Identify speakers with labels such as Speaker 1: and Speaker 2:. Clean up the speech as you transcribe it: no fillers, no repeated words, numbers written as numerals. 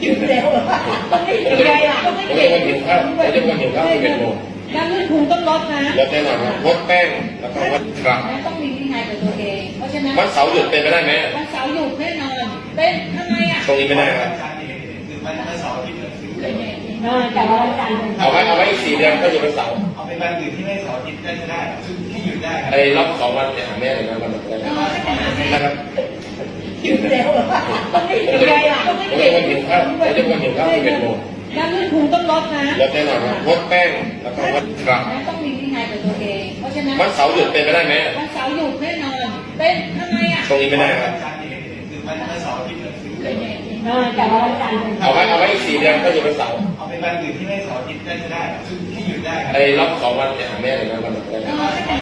Speaker 1: กินแล้วต้องไม่กินอะไรล่ะต้องไม่
Speaker 2: ผม
Speaker 1: กิ
Speaker 2: จะ
Speaker 1: น
Speaker 2: มาหิวข้าวผมจะมาหิวข้าว11 โมง
Speaker 1: แล้วเงินคุณต้องลดนะ
Speaker 2: ลดแน่นอนครับงดแป้งแล้วก็งดกลับ
Speaker 1: แล้วต้องมีวินัยกับตัวเองเพราะฉะนั้น
Speaker 2: วันเสาร์หยุดเป็นไปได้ไหม
Speaker 1: วันเสาร์หยุดแน่นอนเป็นทำไมอ่ะ
Speaker 2: ตรงนี้ไม่ได้ครับ
Speaker 3: คือวันเสาร์อาทิตย์เนี่ยคือ
Speaker 1: แต่ว่าวันจันทร์
Speaker 2: เอาไว้อีก4 เดือนก็อยู่วันเสาร์
Speaker 3: เอาเป็นวันอื่นที่ไม่เสาร์อาทิตย์ได้ก็ได้คือที่หยุดได้ครับ
Speaker 2: ไอ้รอบ2 วันเนี่ยหาแม่เลยนะวันนั้นนะครับ
Speaker 1: กินแล้วต้องไม่กินอะไรล่ะต้อง
Speaker 2: ผ
Speaker 1: ไม่
Speaker 2: ม
Speaker 1: กิ
Speaker 2: จะ
Speaker 1: น
Speaker 2: มาหิวข้าวผมจะมาหิวข้าว11 โมง
Speaker 1: แล้วเงินคุณต้องลดนะ
Speaker 2: ลดแน่นอนครับงดแป้งแล้วก็งดกลับ
Speaker 1: แล้วต้องมีวินัยกับตัวเองเพราะฉะนั้น
Speaker 2: วันเสาร์หยุดเป็นไปได้ไหม
Speaker 1: วันเสาร์หยุดแน่นอนเป็นทำไมอ่ะ
Speaker 2: ตรงนี้ไม่ได้ครับ
Speaker 3: คือวันเสาร์อาทิตย์เนี่ยคือ
Speaker 1: แต่ว่าวันจันทร์
Speaker 2: เอาไว้อีก4 เดือนก็อยู่วันเสาร์
Speaker 3: เอาเป็นวันอื่นที่ไม่เสาร์อาทิตย์ได้ก็ได้คือที่หยุดได้ครับ
Speaker 2: ไอ้รอบ2 วันเนี่ยหาแม่เลยนะวันนั้น